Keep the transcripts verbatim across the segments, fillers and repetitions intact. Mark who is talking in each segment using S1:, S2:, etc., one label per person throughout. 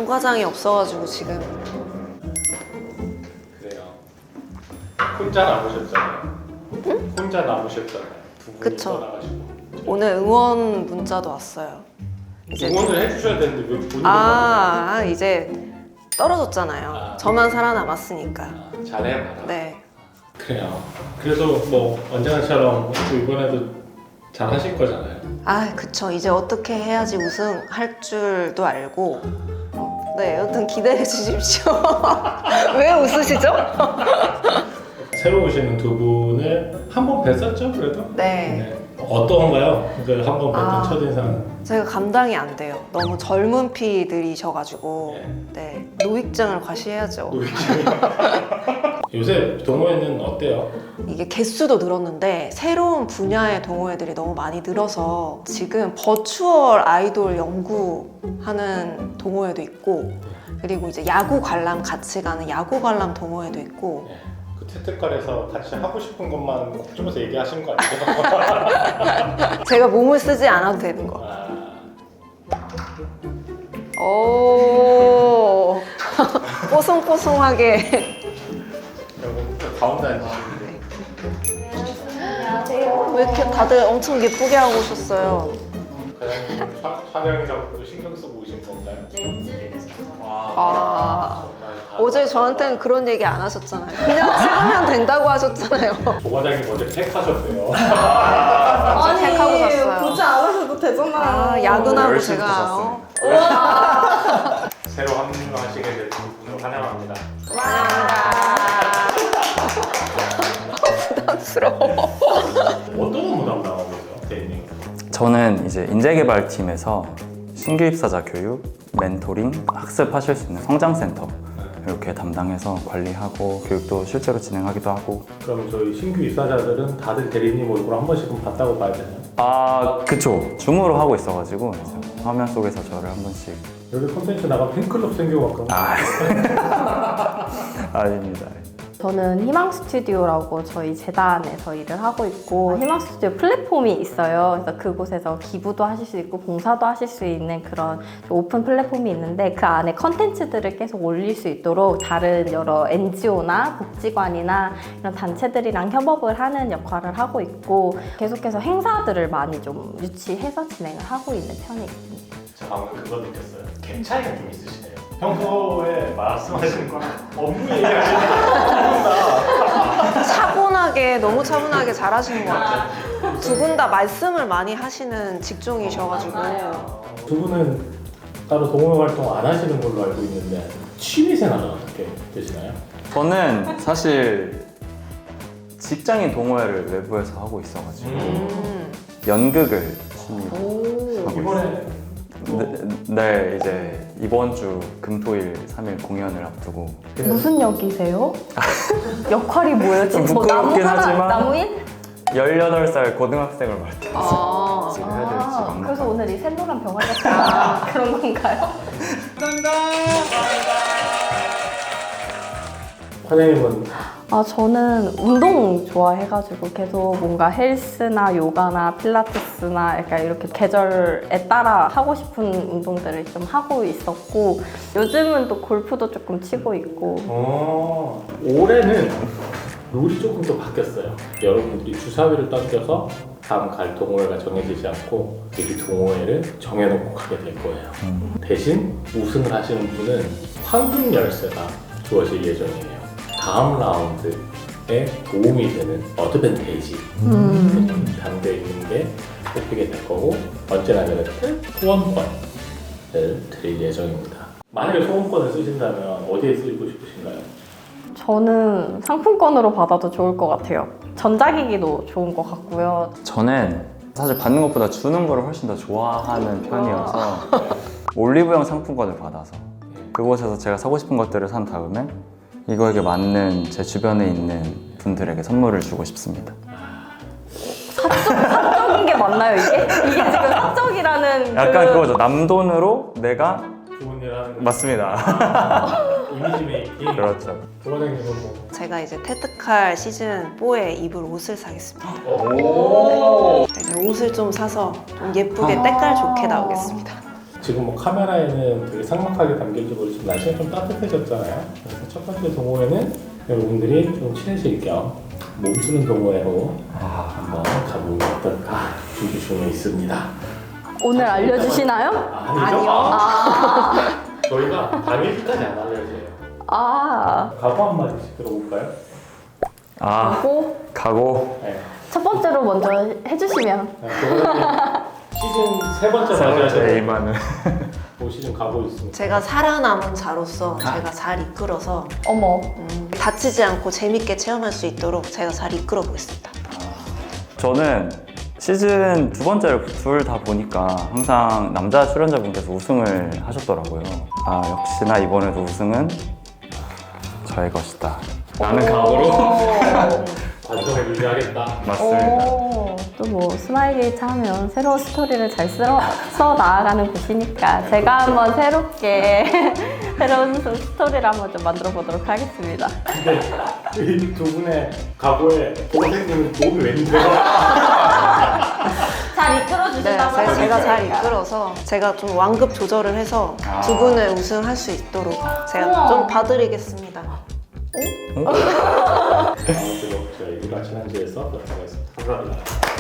S1: 정과장이 없어가지고 지금.
S2: 그래요. 혼자 남으셨잖아요. 응? 혼자 남으셨잖아요. 두 분이
S1: 그쵸.
S2: 떠나가지고.
S1: 오늘 응원 문자도 왔어요. 이제
S2: 응원을 해주셔야 되는데 왜 본인이
S1: 아, 아 이제 떨어졌잖아요.
S2: 아.
S1: 저만 살아남았으니까.
S2: 아, 잘해봐라.
S1: 네.
S2: 그래요. 그래도 뭐 언제나처럼 또 이번에도 잘 하실 거잖아요.
S1: 아, 그쵸. 이제 어떻게 해야지 우승할 줄도 알고. 네, 여튼 기대해 주십시오. 왜 웃으시죠?
S2: 새로 오시는 두 분을 한 번 뵀었죠, 그래도?
S1: 네.
S2: 어떤가요? 그 한 번 뵀던
S1: 아.
S2: 첫인상.
S1: 제가 감당이 안 돼요. 너무 젊은 피들이셔가지고.
S2: 네.
S1: 네. 노익장을 과시해야죠.
S2: 요새 동호회는 어때요?
S1: 이게 개수도 늘었는데 새로운 분야의 동호회들이 너무 많이 늘어서 지금 버추얼 아이돌 연구하는 동호회도 있고, 그리고 이제 야구 관람 같이 가는 야구 관람 동호회도 있고.
S2: 네. 그 태특갈에서 같이 하고 싶은 것만 꼭 집어서 얘기하시는 거 아니에요?
S1: 제가 몸을 쓰지 않아도 되는 거.
S2: 아,
S1: 오 뽀송뽀송하게.
S2: 여러분 가운데 앉으시는데
S1: 왜 이렇게 다들 엄청 예쁘게 하고 오셨어요?
S2: 과장님 촬영이라고 신경 쓰고 오신 건가요?
S3: 렌즈를 계속
S1: 아,
S2: 정말 다-
S1: 어제 저한테는 그런 얘기 안 하셨잖아요. 그냥 찍으면 된다고 하셨잖아요.
S2: 조 과장님 어제 팩하셨대요.
S1: 아, 택하고 갔어요.
S3: 보지 않으셔도 되잖아요.
S1: 아, 야근하고
S4: 열심히
S1: 제가 어?
S2: 새로 합류하시게 된 분을 환영합니다.
S1: 부담스러워.
S2: 어떤 업무 담당하고 계세요, 대리님?
S4: 저는 이제 인재개발팀에서 신규 입사자 교육, 멘토링, 학습하실 수 있는 성장센터 이렇게 담당해서 관리하고 교육도 실제로 진행하기도 하고.
S2: 그럼 저희 신규 입사자들은 다들 대리님 얼굴 한 번씩은 봤다고 봐야 되나요?
S4: 아 그쵸, 줌으로 하고 있어가지고 이제 화면 속에서 저를 한 번씩.
S2: 여기 콘텐츠 나가 팬클럽 생겨갖고
S4: 아 아닙니다.
S3: 저는 희망 스튜디오라고 저희 재단에서 일을 하고 있고, 희망 스튜디오 플랫폼이 있어요. 그래서 그곳에서 기부도 하실 수 있고 봉사도 하실 수 있는 그런 오픈 플랫폼이 있는데, 그 안에 컨텐츠들을 계속 올릴 수 있도록 다른 여러 엔지오나 복지관이나 이런 단체들이랑 협업을 하는 역할을 하고 있고, 계속해서 행사들을 많이 좀 유치해서 진행을 하고 있는 편에 있습니다.
S2: 저 방금 그거 느꼈어요. 갭 차이가 좀 있으시네요. 평소에 말씀하시는 거랑 업무 얘기하시는 거
S1: 차분하게, 너무 차분하게 잘하시는 것 같아요. 두 분 다 말씀을 많이 하시는 직종이셔가지고.
S2: 두 분은 따로 동호회 활동 안 하시는 걸로 알고 있는데 취미생활은 어떻게 되시나요?
S4: 저는 사실 직장인 동호회를 외부에서 하고 있어가지고
S1: 음.
S4: 연극을 취미로
S1: 오.
S4: 하고
S2: 이번에
S4: 있어요. 네, 네, 이제 이번 주 금토일 삼 일 공연을 앞두고.
S3: 무슨 역이세요? 역할이 뭐예요?
S4: 좀
S3: 지금 뭐
S4: 부끄럽긴
S3: 나무 하나,
S4: 하지만
S3: 나무인?
S4: 열여덟 살 고등학생을 맡아서
S1: 아.
S4: 지금 해야 될지
S3: 아,
S4: 막막하고.
S3: 그래서 오늘 이 샛노란 병아리 같은 그런 건가요?
S2: 과장님은
S3: 아, 저는 운동 좋아해가지고 계속 뭔가 헬스나 요가나 필라테스나 약간 이렇게 계절에 따라 하고 싶은 운동들을 좀 하고 있었고, 요즘은 또 골프도 조금 치고 있고.
S2: 어, 올해는 룰이 조금 더 바뀌었어요. 여러분들이 주사위를 던져서 다음 갈 동호회가 정해지지 않고 미리 동호회를 정해놓고 가게 될 거예요.
S4: 음.
S2: 대신 우승을 하시는 분은 황금 열쇠가 주어질 예정이에요. 다음 라운드에 도움이 되는 어드밴테이지
S3: 음.
S2: 담겨 있는 게 뽑히게 될 거고, 언제나 그랬듯 소원권을 드릴 예정입니다. 만약에 소원권을 쓰신다면 어디에 쓰고 싶으신가요?
S3: 저는 상품권으로 받아도 좋을 것 같아요. 전자기기도 좋은 것 같고요.
S4: 저는 사실 받는 것보다 주는 거를 훨씬 더 좋아하는 편이어서 올리브영 상품권을 받아서 그곳에서 제가 사고 싶은 것들을 산 다음에 이거에게 맞는 제 주변에 있는 분들에게 선물을 주고 싶습니다.
S3: 사적인 게 맞나요, 이게? 이게 지금 사적이라는
S4: 약간
S3: 그...
S4: 그거죠. 남돈으로 내가.
S2: 좋은 일 하는 거.
S4: 맞습니다.
S2: 아, 이미지 메이킹.
S4: 그렇죠.
S2: 조과장님은 뭐?
S1: 제가 이제 테트칼 시즌 사에 입을 옷을 사겠습니다.
S2: 오.
S1: 네, 옷을 좀 사서 좀 예쁘게 때깔 좋게 나오겠습니다.
S2: 지금 뭐 카메라에는 되게 삭막하게 담길지 모르지만 날씨가 좀 따뜻해졌잖아요. 그래서 첫 번째 동호회는 여러분들이 좀 친해질 겸 몸쓰는 동호회로 한번 가보면 어떨까 준비 중에 있습니다.
S3: 오늘 알려주시나요?
S2: 아니죠?
S1: 아니요.
S2: 저희가 당일까지 안 알려줘요.
S3: 아,
S2: 각오 한마디씩 들어볼까요?
S4: 아,
S3: 하고
S4: 가고
S2: 네.
S3: 첫 번째로 먼저 해주시면.
S2: 네, 동호회님 시즌 세 번째
S4: 세 번째
S2: 맞이하셔서
S4: 이만은
S2: 올 시즌 가고 있습니다.
S1: 제가 살아남은 자로서 제가 잘 이끌어서
S3: 어머.
S1: 음, 다치지 않고 재밌게 체험할 수 있도록 제가 잘 이끌어 보겠습니다.
S4: 저는 시즌 두 번째를 둘 다 보니까 항상 남자 출연자분께서 우승을 하셨더라고요. 아, 역시나 이번에도 우승은 저의 것이다 라는 각오로
S2: 관점을 유지하겠다.
S4: 맞습니다.
S3: 또 뭐 스마일 게이트 하면 새로운 스토리를 잘 써, 써 나아가는 곳이니까 제가 한번 새롭게 새로운 스토리를 한번 좀 만들어 보도록 하겠습니다.
S2: 근데 이 두 분의 각오에 동생님은 도움이 웬데요?
S3: 잘 이끌어
S1: 네,
S3: 주신다고
S1: 제가, 제가 잘
S3: 하시니까.
S1: 이끌어서 제가 좀 완급 조절을 해서 두 분을 우승할 수 있도록 제가
S3: 우와.
S1: 좀 봐드리겠습니다.
S2: 아무쪼록 저희 일화 지난주에서 그렇게 하겠습니다. 감사합니다.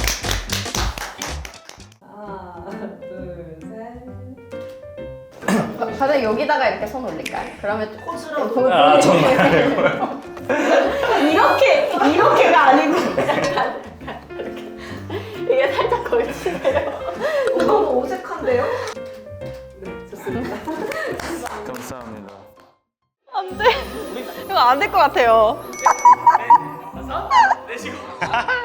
S3: 다들 여기다가 이렇게 손 올릴까요? 그러면
S1: 포즈로
S4: 아, 정말.
S3: 이렇게 이렇게가 아니고 약간 이렇게 이게 살짝 걸치네요.
S1: 너무 어색한데요?
S4: 감사합니다.
S1: 이거 안 될 것 같아요.
S2: 내쉬고.